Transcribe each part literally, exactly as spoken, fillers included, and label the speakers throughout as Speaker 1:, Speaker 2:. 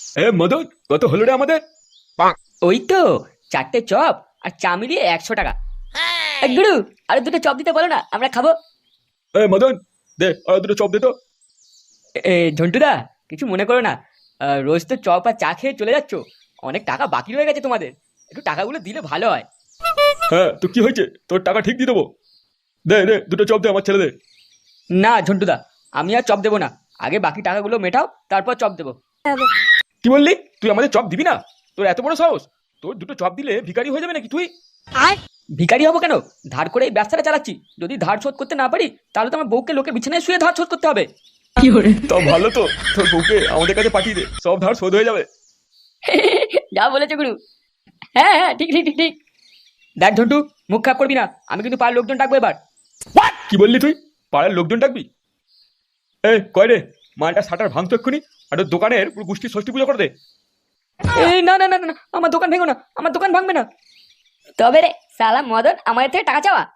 Speaker 1: এ মদন, কত হলো রে আমাদের?
Speaker 2: ওই তো চারটে চপ আর চা মিলিয়ে একশো টাকা। এ, গুরু আর দুটো চপ দিতে বলো না, আমরা খাবো।
Speaker 1: এ মদন, দে আর দুটো চপ দে তো।
Speaker 2: এ ঝন্টুদা, কিছু মনে করো না। আহ, রোজ তো চপ আর চা খেয়ে চলে যাচ্ছ, অনেক টাকা বাকি রয়ে গেছে তোমাদের, একটু টাকাগুলো দিলে ভালো হয়।
Speaker 1: হ্যাঁ, তো কি হয়েছে, তোর টাকা ঠিক দিয়ে দেবো। দে দে দুটো চপ দে আমার ছেলে দে।
Speaker 2: না ঝন্টুদা, আমি আর চপ দেবো না, আগে বাকি টাকাগুলো মেটাও, তারপর চপ দেবো।
Speaker 1: কি বললি? তুই আমাদের চপ দিবি না? তোর এত বড় সাহস! তোর দুটো চপ দিলে ভিখারি হয়ে যাবে নাকি তুই?
Speaker 2: ভিখারি হবো কেন? ধার করে এই ব্যবসাটা চালাচ্ছি, যদি ধার শোধ করতে না পারি তাহলে তো আমার বউকে লোকে বিছানায় শুয়ে ধার শোধ করতে হবে।
Speaker 1: তা ভালো তো, তোর বউকে আমাদের কাছে পাঠিয়ে দে, সব ধার শোধ হয়ে যাবে।
Speaker 2: যা বলেছে গুরু। হ্যাঁ হ্যাঁ, ঠিক ঠিক ঠিক ঠিক। দেখ ঝন্টু, মুখ খারাপ করবি না, আমি কিন্তু পাড়ার লোকজন ডাকবো এবার।
Speaker 1: কি বললি তুই? পাড়ার লোকজন ডাকবি? এ কয় রে, মালটা শাটার ভাঙতো এক্ষুনি, আর ওর দোকানের পুরো গোষ্ঠী ষষ্ঠী পুজো করে দে।
Speaker 2: এই না না না না, আমার দোকান ভেঙো না, আমার দোকান ভাঙবে না। তবে রে সালা মদন আমাদের থেকে টাকা চাওয়া।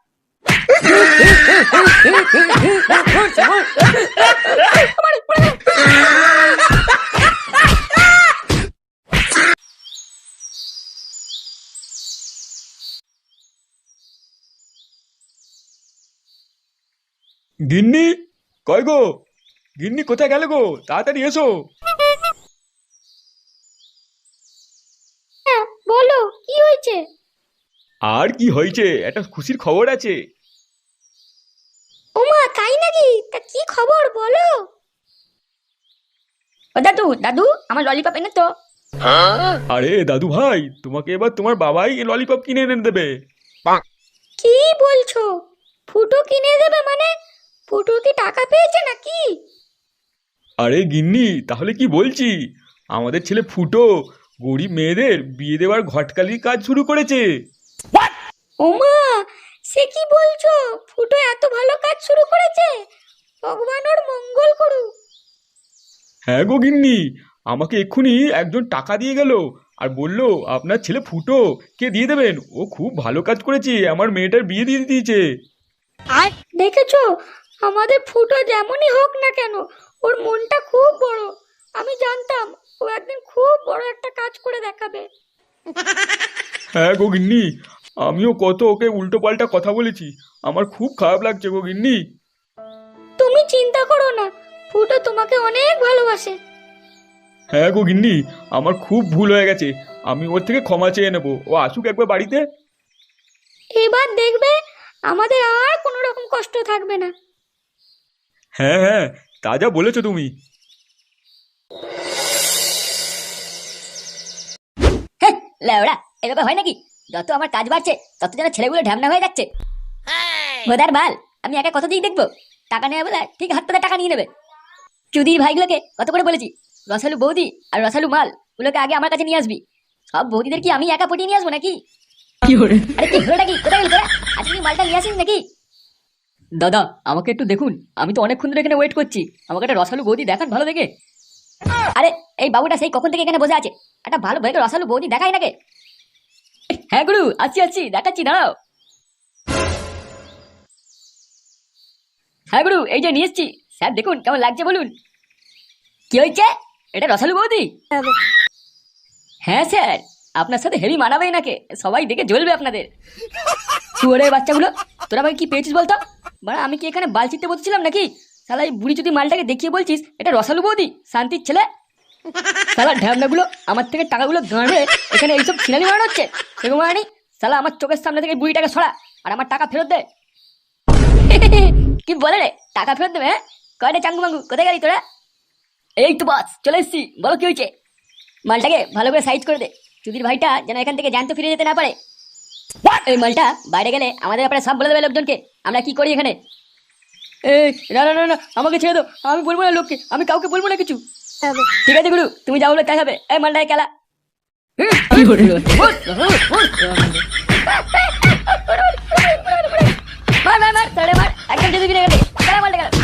Speaker 1: গিন্নি, কয় গো? গিন্নি কোথায় গেলে গো? তাড়াতাড়ি এসো।
Speaker 3: হ্যাঁ বলো, কি হয়েছে?
Speaker 1: আর কি হয়েছে, একটা খুশির খবর আছে।
Speaker 3: ওমা তাই নাকি? তা কি খবর বলো।
Speaker 2: ও দাদু দাদু, আমার ললিপপ এনে তো।
Speaker 1: আরে দাদু ভাই, তোমাকে এবার তোমার বাবাই ললিপপ কিনে এনে দেবে।
Speaker 3: কি বলছো? ফুটো কিনে দেবে মানে? ফুটো কি টাকা পেয়েছে নাকি?
Speaker 1: আরে গিন্নি, তাহলে কি বলছি, আমাদের ছেলে ফুটো গরিব মেয়েদের বিয়ে দেওয়ার ঘটকালির কাজ শুরু করেছে।
Speaker 3: ওমা, সে কি বলছো? ফুটো এত ভালো কাজ শুরু করেছে? ভগবান ওর মঙ্গল করুক।
Speaker 1: হ্যাঁ গো গিন্নি, আমাকে এক্ষুনি একজন টাকা দিয়ে গেল আর বলল আপনার ছেলে ফুটো কে দিয়ে দেবেন, ও খুব ভালো কাজ করেছে, আমার মেয়েটার বিয়ে দিয়ে দিয়েছে।
Speaker 3: আর দেখেছো, আমাদের ফুটো যেমনই হোক না কেন, ওর মনটা খুব বড়। আমি জানতাম ও একদিন খুব বড় একটা কাজ করে দেখাবে।
Speaker 1: হ্যাঁ গো গিন্নি, আমিও কত ওকে উল্টো পাল্টা কথা বলেছি, আমার খুব খারাপ লাগছে গো গিন্নি।
Speaker 3: তুমি চিন্তা করো না, ফুটো তোমাকে অনেক ভালোবাসে।
Speaker 1: হ্যাঁ গো গিন্নি, আমার খুব ভুল হয়ে গেছে, আমি ওর থেকে ক্ষমা চেয়ে নেবো, ও আসুক একবার বাড়িতে।
Speaker 3: এবার দেখবে আমাদের আর কোনো রকম কষ্ট থাকবে না।
Speaker 1: হ্যাঁ হ্যাঁ, তা যা বলেছো তুমি।
Speaker 2: লেওড়া, এভাবে হয় নাকি? যত আমার কাজ বাড়ছে তত যেন ছেলেগুলো ঢ্যামনা হয়ে যাচ্ছে। বোধার বাল, আমি একা কত দিক দেখবো? টাকা নেবে বলে ঠিক হাত পাতে টাকা নিয়ে নেবে। চুদির ভাইগুলোকে কত করে বলেছি, রসালু বৌদি আর রসালু মাল গুলোকে আগে আমার কাছে নিয়ে আসবি। সব বৌদিদের কি আমি একা পটিয়ে নিয়ে আসবো নাকি? আরে কি হলো নাকি, কোথায় গেলি তোরা? আজকে কি মালটা নিয়ে আসিস নাকি? দাদা আমাকে একটু দেখুন, আমি তো অনেকক্ষণ ধরে এখানে ওয়েট করছি, আমাকে একটা রসালু বৌদি দেখান ভালো দেখে। আরে এই বাবুটা সেই কখন থেকে এখানে বসে আছে, একটা ভালো ভালো রসালু বৌদি দেখাই নাকি? হ্যাঁ গুরু, আসছি আসছি, দেখাচ্ছি দাঁড়াও। হ্যাঁ গুরু, এই যে নিয়ে এসছি, স্যার দেখুন কেমন লাগছে বলুন। কি হয়েছে? এটা রসালু বৌদি? হ্যাঁ স্যার, আপনার সাথে হেভি মানাবে নাকি, সবাই দেখে জ্বলবে আপনাদের। শুয়োরের বাচ্চাগুলো, তোরা আমাকে কি পেয়েছিস বলতো? মানে আমি কি এখানে বাল চিনতে বসেছিলাম নাকি? শালা এই বুড়ি যদি মালটাকে দেখিয়ে বলছিস এটা রসালু বৌদি, শান্তির ছেলে। শালা ঢ্যামনাগুলো আমার থেকে টাকাগুলো গাঁড়ে এখানে এইসব ছিনালি মারানো হচ্ছে, সেরকম মারানি। শালা আমার চোখের সামনে থেকে বুড়িটাকে সরা আর আমার টাকা ফেরত দে। কি বলে রে, টাকা ফেরত দেবে? হ্যাঁ কয়টা চাঙ্গু মাঙ্গু, কোথায় গেলি তোরা? এই তো বাস চলে এসছি, বলো কি হয়েছে? মালটাকে ভালো করে সাইজ করে দে, চুদির ভাইটা যেন এখান থেকে জ্যান্ত ফিরে যেতে না পারে। এই মালটা বাইরে গেলে আমাদের ব্যাপারে সব বলে দেবে লোকজনকে আমরা কি করি এখানে। এই না না না না, আমাকে ছেড়ে দাও, আমি বলবো না লোককে, আমি কাউকে বলবো না কিছু। ঠিক আছে গুরু, তুমি যা বলবে তাই হবে। এই মালটাকে খেলা। মার মার মার তাড়ে মার, একদম যদি ফিরে গেলে খেলা মালটা খেলা।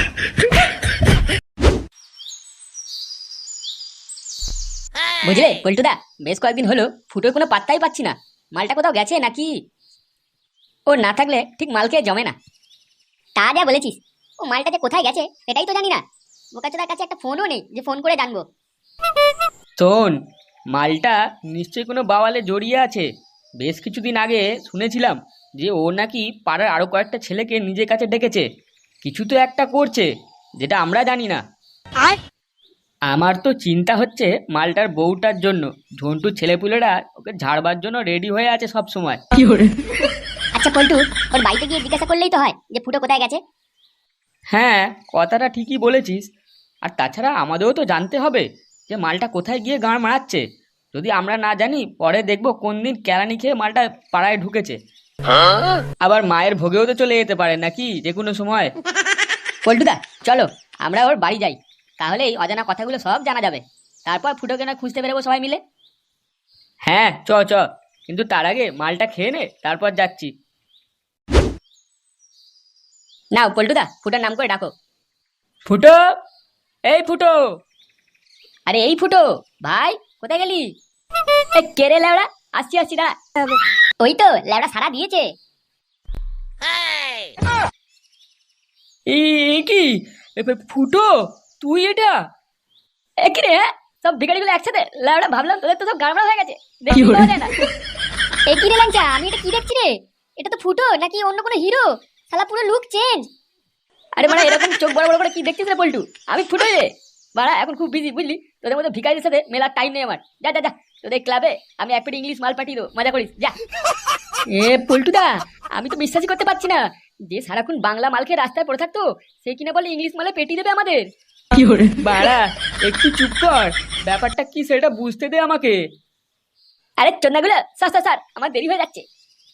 Speaker 2: বুঝলে পল্টুদা, বেশ কয়েকদিন হলো ফুটোর কোনো পাত্তাই পাচ্ছি না, মালটা কোথাও গেছে নাকি? ও না থাকলে ঠিক মাল খেয়ে জমে না।
Speaker 3: তা যা বলেছিস, ও মালটা যে কোথায় গেছে সেটাই তো জানি না। বোকাচোদার কাছে একটা ফোনও নেই যে ফোন করে জানবো।
Speaker 4: শোন, মালটা নিশ্চয়ই কোনো বাওয়ালে জড়িয়ে আছে। বেশ কিছুদিন আগে শুনেছিলাম যে ও নাকি পাড়ার আরো কয়েকটা ছেলেকে নিজের কাছে ডেকেছে। কিছু তো একটা করছে, যেটা আমরা জানি না। আমার তো চিন্তা হচ্ছে মালটার বউটার জন্য। ঝন্টুর ছেলেপুলেরা ওকে ঝাড়বার জন্য রেডি হয়ে আছে সব সময়।
Speaker 2: আচ্ছা পল্টু, ওর বাড়িতে গিয়ে জিজ্ঞাসা করলেই তো হয় যে ফুটো কোথায় গেছে।
Speaker 4: হ্যাঁ, কথাটা ঠিকই বলেছিস। আর তাছাড়া আমাদেরও তো জানতে হবে যে মালটা কোথায় গিয়ে গাঁড় মারাচ্ছে। যদি আমরা না জানি, পরে দেখবো কোন দিন কেরানি খেয়ে মালটা পাড়ায় ঢুকেছে। আবার মায়ের ভোগেও তো চলে যেতে পারে নাকি যে কোনো সময়।
Speaker 2: পল্টুদা চলো, আমরা ওর বাড়ি যাই, তাহলেই অজানা কথাগুলো সব জানা যাবে। তারপর ফুটোকে না খুঁজতে বেরোবো সবাই মিলে।
Speaker 4: হ্যাঁ চ চ, কিন্তু তার আগে মালটা খেয়ে নে, তারপর যাচ্ছি।
Speaker 2: নাও পল্টুদা, ফুটোর নাম করে ডাকো।
Speaker 4: ফুটো, এই ফুটো।
Speaker 2: আরে এই ফুটো ভাই, কোথায় গেলি? এই কে রে ল্যাওড়া? আসছি আসছি, দাঁড়া। ওই তো ল্যাওড়া সারা দিয়েছে।
Speaker 4: এই কি এ, এ, ফুটো, তুই এটা?
Speaker 2: এ কি রে, হ্যাঁ? সব ভিখারিগুলো একসাথে ল্যাওড়া, ভাবলাম তোদের তো সব গাড়মাড়া হয়ে গেছে, দেখতে পাওয়া যায় না। এ কি রে ল্যাংচা, আমি এটা কি দেখছি রে? এটা তো ফুটো নাকি অন্য কোনো হিরো? শালা পুরো লুক চেঞ্জ। আরে মানে এরকম চোখ বড় বড় করে কি দেখছিস রে পল্টু? আমি ফুটো রে বাড়া, এখন খুব বিজি বুঝলি। তোদের মতো ভিখারিদের সাথে মেলার টাইম নেই আমার। যা যা যা, তোদের ক্লাবে আমি এক পেটি ইংলিশ মাল পাঠিয়ে দেবো, মজা করিস যা। এ পল্টুদা, আমি তো বিশ্বাসই করতে পারছি না যে সারাক্ষণ বাংলা মাল খেয়ে রাস্তায় পড়ে থাকতো, সে কিনা বলে ইংলিশ মালে পেটি দেবে আমাদের।
Speaker 4: বাড়া, একটু চুপ কর। ব্যাপারটা কি সেটা বুঝতে দে আমাকে।
Speaker 2: আরে চন্দাগুলো, স্যার স্যার স্যার, আমার দেরি হয়ে যাচ্ছে।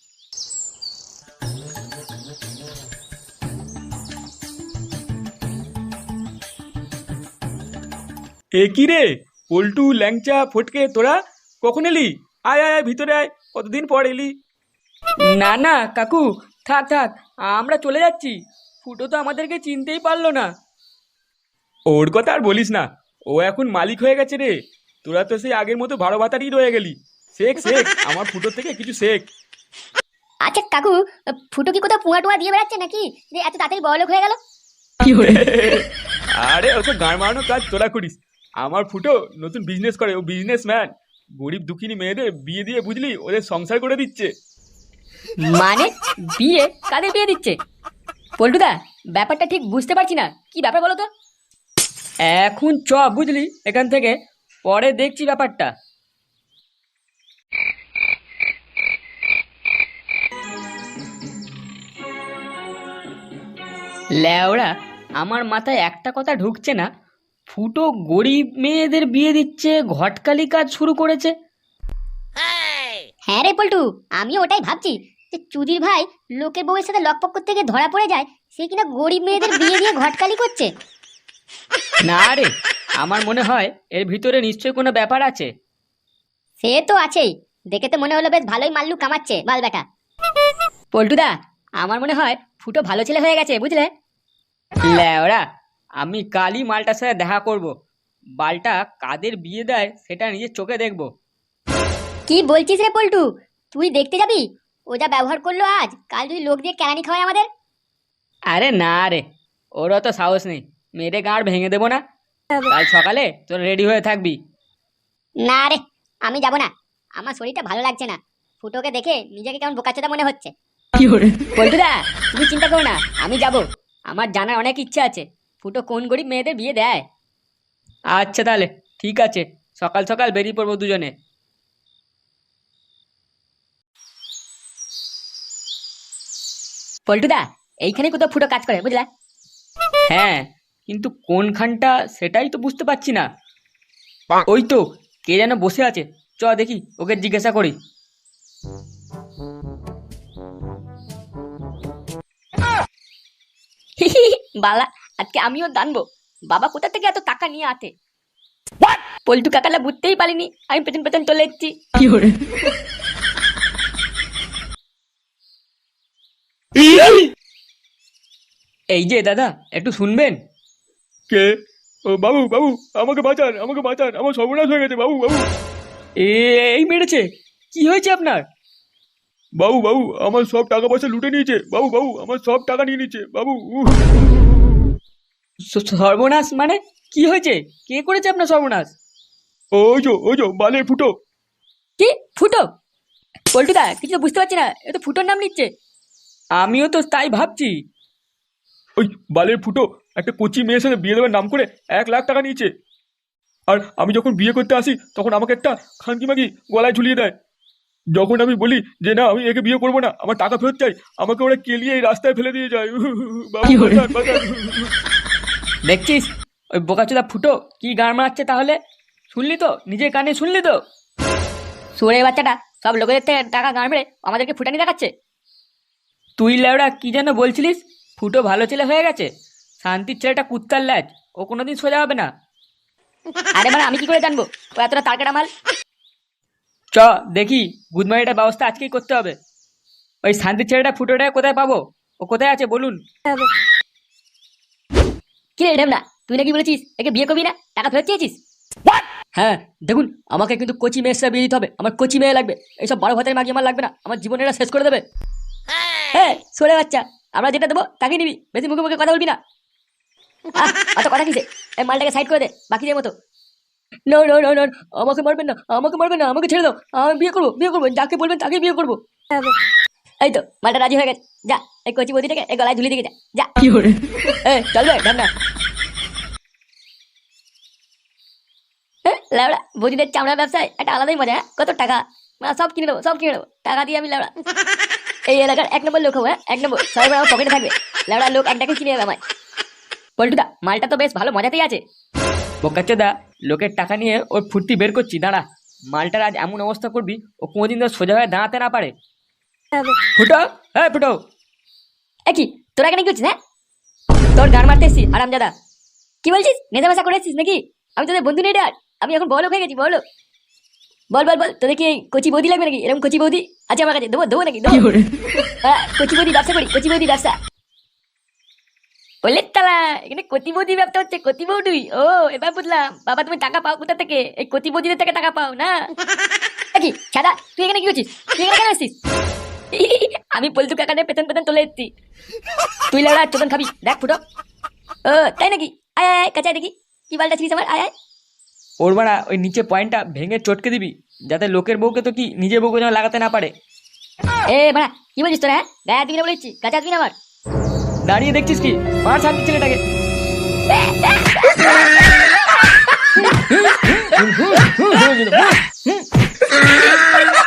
Speaker 1: এ কি রে, পল্টু, ল্যাংচা, ফটকে, তোরা কখন এলি? আয় আয় আয়, ভিতরে আয়, কতদিন পর এলি।
Speaker 4: না না কাকু, থাক থাক, আমরা চলে যাচ্ছি। ফুটো তো আমাদেরকে চিনতেই পারলো না।
Speaker 1: ওর কথা আর বলিস না, ও এখন মালিক হয়ে গেছে রে। তোরা তো সেই আগের মতো ভাড়া ভাতারই রয়ে গেলি। শেখ শেখ, আমার ফুটোর থেকে কিছু শেখ।
Speaker 2: আচ্ছা কাকু, ফুটো কি কোথাও পুয়া টুয়া দিয়ে বেড়াচ্ছে নাকি যে এত তাড়াতাড়ি বড়লোক হয়ে গেল?
Speaker 1: আরে ওসব গান মারানোর কাজ তোরা করিস। আমার ফুটো নতুন বিজনেস করে, ও বিজনেস ম্যান। গরিব দুঃখিনী মেয়েদের বিয়ে দিয়ে বুঝলি ওদের সংসার করে দিচ্ছে।
Speaker 2: মানে বিয়ে? কাদের বিয়ে দিচ্ছে? পল্টুদা, ব্যাপারটা ঠিক বুঝতে পারছি না, কি ব্যাপার বলো তো?
Speaker 4: এখন চ বুঝলি এখান থেকে, পরে দেখছি ব্যাপারটা। ল্যাওড়া, আমার মাথায় একটা কথা ঢুকছে না। ফুটো গরিব মেয়েদের বিয়ে দিচ্ছে, ঘটকালি কাজ শুরু করেছে।
Speaker 2: হ্যাঁ রে পল্টু, আমিও ওটাই ভাবছি যে চুদির ভাই লোকের বউয়ের সাথে লকপক করতে গিয়ে ধরা পড়ে যায়, সে কিনা গরিব মেয়েদের বিয়ে দিয়ে ঘটকালি করছে।
Speaker 4: না রে, আমার মনে হয় এর ভিতরে নিশ্চয়ই কোনো ব্যাপার আছে।
Speaker 2: সে তো আছেই, দেখে তো মনে হলো বেশ ভালোই মাল্লু কামাচ্ছে বাল বেটা। পল্টুদা, আমার মনে হয় ফুটো ভালো ছেলে হয়ে গেছে বুঝলে।
Speaker 4: ল্যাওড়া, আমি কালই মালটার সাথে দেখা করব। বালটা কাদের বিয়ে দেয় সেটা নিজের চোখে দেখব।
Speaker 2: কি বলছিস রে পল্টু, তুই দেখতে যাবি? ও যা ব্যবহার করলো আজ, কাল যদি লোক দিয়ে কেরানি খাওয়ায় আমাদের।
Speaker 4: আরে না রে, ওর অত সাহস নেই। মেরে গাঁড় ভেঙে দেবো না। কাল সকালে তোর রেডি হয়ে থাকবি।
Speaker 2: না রে, আমি যাব না, আমার শরীরটা ভালো লাগছে না। ফুটোকে দেখে নিজেকে কেমন বোকাচোদা মনে হচ্ছে। পল্টুদা, তুমি চিন্তা করো না, আমি যাব। আমার জানার অনেক ইচ্ছা আছে ফুটো কোন গরিব মেয়েদের বিয়ে দেয়।
Speaker 4: আচ্ছা তাহলে ঠিক আছে, সকাল সকাল বেরিয়ে পড়বো দুজনে।
Speaker 2: পল্টুদা, এইখানে কোথাও ফুটো কাজ করে বুঝলা।
Speaker 4: হ্যাঁ, কিন্তু কোনখানটা সেটাই তো বুঝতে পারছি না। ওই তো কে যেন বসে আছে, চ দেখি, ওকে জিজ্ঞাসা করি।
Speaker 2: বালা, আজকে আমিও জানবো বাবা কোথা থেকে এত টাকা নিয়ে আতে। পল্টু কাকালা বুঝতেই পারিনি, আমি পেছন পেছন চলে এসেছি।
Speaker 4: এই যে দাদা, একটু শুনবেন?
Speaker 1: কে? ও বাবু, বাবু, আমাকে বাঁচান, আমাকে বাঁচান, আমার সর্বনাশ হয়ে গেছে বাবু, বাবু।
Speaker 4: এ এই মেরেছে? কি হয়েছে আপনার?
Speaker 1: বাবু, বাবু, আমার সব টাকা পয়সা লুটে নিয়েছে বাবু, বাবু, আমার সব টাকা নিয়ে নিচ্ছে বাবু। উহ।
Speaker 4: স- সর্বনাশ মানে কি হয়েছে? কে করেছে আপনার সর্বনাশ?
Speaker 1: ওই যো ওই যো বালের ফুটো।
Speaker 2: কি ফুটো? পল্টুদা কিছু তো বুঝতে পারছি না, এ তো ফুটোর নাম নিচ্ছে।
Speaker 4: আমিও তো তাই ভাবছি।
Speaker 1: ওই বালের ফুটো একটা কচি মেয়ের সাথে বিয়ে দেওয়ার নাম করে এক লাখ টাকা নিয়েছে। আর আমি যখন বিয়ে করতে আসি তখন আমাকে একটা খানকি মাগি গলায় ঝুলিয়ে দেয়। যখন আমি বলি যে না আমি একে বিয়ে করবো না, আমার টাকা ফেরত চাই, আমাকে ওরা কেলিয়ে এই রাস্তায় ফেলে দিয়ে যায়। বাবু বাঁচান, বাঁচান।
Speaker 4: দেখছিস ওই বোকাচোদা ফুটো কি গান মারাচ্ছে তাহলে? শুনলি তো, নিজের কানে শুনলি তো?
Speaker 2: সুরের বাচ্চাটা সব লোকেদের থেকে টাকা গান মেরে আমাদেরকে ফুটানি দেখাচ্ছে।
Speaker 4: তুই লেওড়া কি যেন বলছিলিস? ফুটো ভালো ছেলে হয়ে গেছে? শান্তির ছেলেটা কুত্তার ল্যাজ, ও কোনোদিন সোজা হবে না।
Speaker 2: আরে মানে আমি কি করে জানবো ও এতটা তারকাটা মাল?
Speaker 4: চ দেখি, গুদমারিটার ব্যবস্থা আজকেই করতে হবে। ওই শান্তির ছেলেটা ফুটোটা কোথায় পাবো? ও কোথায় আছে বলুন?
Speaker 2: কি রে ঢেমনা, তুই নাকি বলেছিস একে বিয়ে করবি না, টাকা ফেরত চেয়েছিস? হ্যাঁ দেখুন, আমাকে কিন্তু কচি মেয়ের সাথে বিয়ে দিতে হবে, আমার কচি মেয়ে লাগবে। এইসব বারো ভাতের মাগি আমার লাগবে না, আমার জীবন এরা শেষ করে দেবে। হ্যাঁ সরে বাচ্চা, আমরা যেটা দেবো তাকে নিবি, বেশি মুখে মুখে কথা বলবি না। আহ, অত কথা কিসে, এই মালটাকে সাইড করে দে বাকিদের মতো। নো নো নো নো, আমাকে মারবেন না, আমাকে মারবেন না, আমাকে ছেড়ে দাও, আমি বিয়ে করবো, বিয়ে করবো, যাকে বলবেন তাকে বিয়ে করবো। এই তো মালটা রাজি হয়ে গেছে, যা এই কচি বদিটাকে এই গলায় ঝুলিয়ে দিকে যা যা।
Speaker 4: কি করে?
Speaker 2: এই চল রে ঢামনা। লেবড়া বদিদের চামড়া ব্যবসায় একটা আলাদাই মজা। হ্যাঁ কত টাকা, মানে সব কিনে নেবো, সব কিনে নেবো, টাকা দিয়ে আমি লেবড়া এই এলাকার এক নম্বর লোক হবো। হ্যাঁ এক নম্বর, সবাই আমার পকেটে থাকবে, লেবড়া লোক একটাকে কিনে নেবে আমায়। পল্টুদা মালটা তো বেশ ভালো মজাতেই আছে।
Speaker 4: বোকাচোদা লোকের টাকা নিয়ে ওর ফুর্তি বের করছি, দাঁড়া। মালটার আজ এমন অবস্থা করবি ও কোনোদিন তো সোজা হয়ে দাঁড়াতে না পারে। ফুটো, হ্যাঁ ফুটো।
Speaker 2: এ কি তোরা এখানে কি করছিস? হ্যাঁ তোর গান মারতে এসছি আরামজাদা। কি বলছিস, নেশা মেশা করে এসছিস নাকি? আমি তোদের বন্ধু নেই রে আর, আমি এখন বড় লোক হয়ে গেছি, বড় লোক। বল বল বল, তোদের কি এই কচি বৌদি লাগবে নাকি? এরকম কচি বৌদি আছে আমার কাছে, দেবো দেবো নাকি দেবো? হ্যাঁ কচি বৌদি ব্যবসা করি, কচি বৌদি ব্যবসা। বললে তালা এখানে কচি বৌদি ব্যবসা হচ্ছে, কচি বৌদি। ও এবার বুঝলাম, বাবা তুমি টাকা পাও কোথা থেকে? এই কচি বৌদিদের থেকে টাকা পাও না? এ কি ছাদা, তুই এখানে কি করছিস? তুই এখানে কেন আসছিস? আমি পল্টু কাকানে পেছন পেছন চলে এসেছি। তুই লেবড়া চোদন খাবি, দেখ ফুটো। ও তাই নাকি? আয় আয় আয়, কাছে আয় দেখি কি বালটা ছিলিস আমার, আয় আয়।
Speaker 4: ওর বাড়া ওই নিচে পয়েন্টটা ভেঙে চটকে দিবি, যাতে লোকের বউকে তো কি নিজের বউকে যেন লাগাতে না পারে।
Speaker 2: এ ভাড়া কি বলছিস তোরা? হ্যাঁ গায়ে হাত দিবি না বলেছি, কাছে আসবি না আমার।
Speaker 4: দাঁড়িয়ে দেখছিস কি? মার শান্তির ছেলেটাকে।
Speaker 2: হুম